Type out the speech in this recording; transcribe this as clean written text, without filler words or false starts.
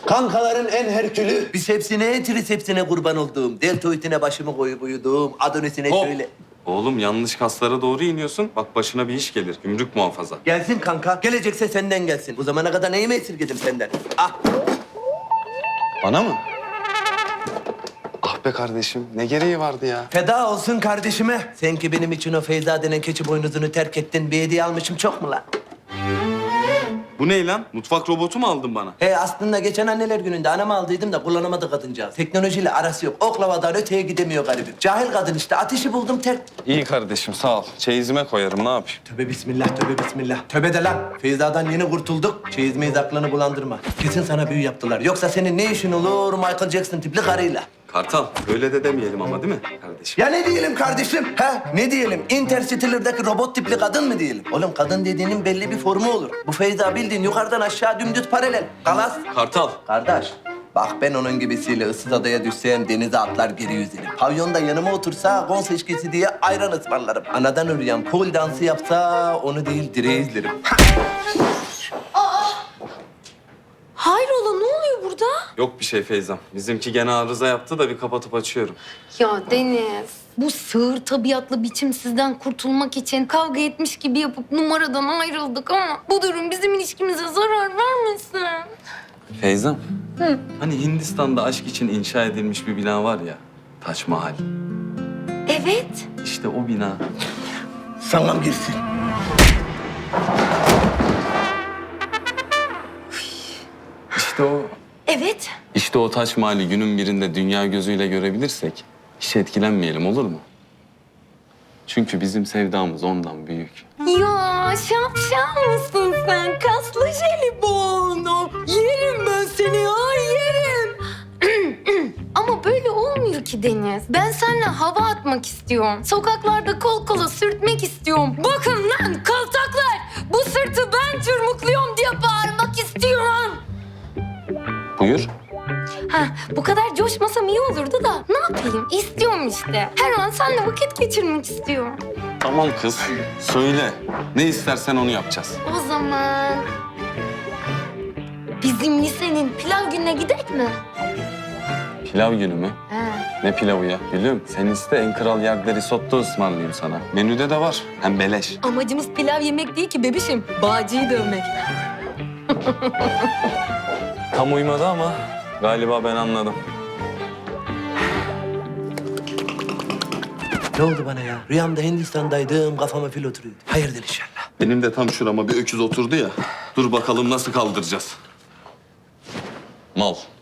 Kankaların en herkülü. Bisepsine, trisepsine kurban olduğum. Deltoidine başımı koyup uyuduğum. Adonisine Hop. şöyle. Oğlum yanlış kaslara doğru iniyorsun. Bak başına bir iş gelir. Gümrük muhafaza. Gelsin kanka. Gelecekse senden gelsin. Bu zamana kadar neyimi esirgedim senden? Ah. Bana mı? Ah be kardeşim. Ne gereği vardı ya? Feda olsun kardeşime. Sen ki benim için o Feyza denen keçi boynuzunu terk ettin. Bir hediye almışım çok mu lan? Bu ne lan? Mutfak robotu mu aldın bana? Aslında geçen anneler gününde anamı aldıydım da kullanamadı kadıncağız. Teknolojiyle arası yok. Oklavadan öteye gidemiyor garibim. Cahil kadın işte. Ateşi buldum terk. İyi kardeşim sağ ol. Çeyizime koyarım ne yapayım? Tövbe bismillah, tövbe bismillah. Tövbe de lan. Feyza'dan yeni kurtulduk. Çeyiz meyiz aklını bulandırma. Kesin sana büyü yaptılar. Yoksa senin ne işin olur Michael Jackson tipli karıyla? Kartal öyle de demeyelim ama değil mi kardeşim? Ya ne diyelim kardeşim? Ha? Ne diyelim? Interstellar'daki robot tipli kadın mı diyelim? Oğlum kadın dediğinin belli bir formu olur. Bu Feyza bildiğin yukarıdan aşağı dümdüz paralel. Kalas. Kartal. Kardeş, bak ben onun gibisiyle ıssız adaya düşsem denize atlar geri yüzerim. Pavyonda yanıma otursa gon seçkisi diye ayran ısmarlarım. Anadan ürüyen pol dansı yapsa onu değil direği izlerim. Hayrola ne oluyor burada? Yok bir şey Feyzam. Bizimki gene arıza yaptı da bir kapatıp açıyorum. Ya Deniz, bu sığır tabiatlı biçimsizden kurtulmak için kavga etmiş gibi yapıp numaradan ayrıldık ama bu durum bizim ilişkimize zarar vermesin. Feyzam. Hani Hindistan'da aşk için inşa edilmiş bir bina var ya. Taç Mahal. Evet. İşte o bina. Sangam girsin. İşte o. Evet. İşte o Taç Mahal'i günün birinde dünya gözüyle görebilirsek hiç etkilenmeyelim olur mu? Çünkü bizim sevdamız ondan büyük. Ya şapşal mısın sen? Kaslı jelibon. Yerim ben seni ya, yerim. Ama böyle olmuyor ki Deniz. Ben seninle hava atmak istiyorum. Sokaklarda kol kola sürtmek istiyorum. Bakın lan kaltaklar. Bu sırtı ben çırmıklıyorum diye bağırmak istiyorum. Buyur. Ha, bu kadar coşmasam iyi olurdu da ne yapayım? İstiyorum işte. Her an seninle vakit geçirmek istiyorum. Tamam kız. Söyle. Ne istersen onu yapacağız. O zaman bizim lisenin pilav gününe gidek mi? Pilav günü mü? He. Ne pilavı ya? Gülüm sen iste en kral yerde risotto ısmarlayayım sana. Menüde de var. Hem beleş. Amacımız pilav yemek değil ki bebişim. Bağcıyı dövmek. Tam uymadı ama galiba ben anladım. Ne oldu bana ya? Rüyamda Hindistan'daydım, kafama fil oturuyordu. Hayırdır inşallah. Benim de tam şurama bir öküz oturdu ya. Dur bakalım nasıl kaldıracağız. Mal.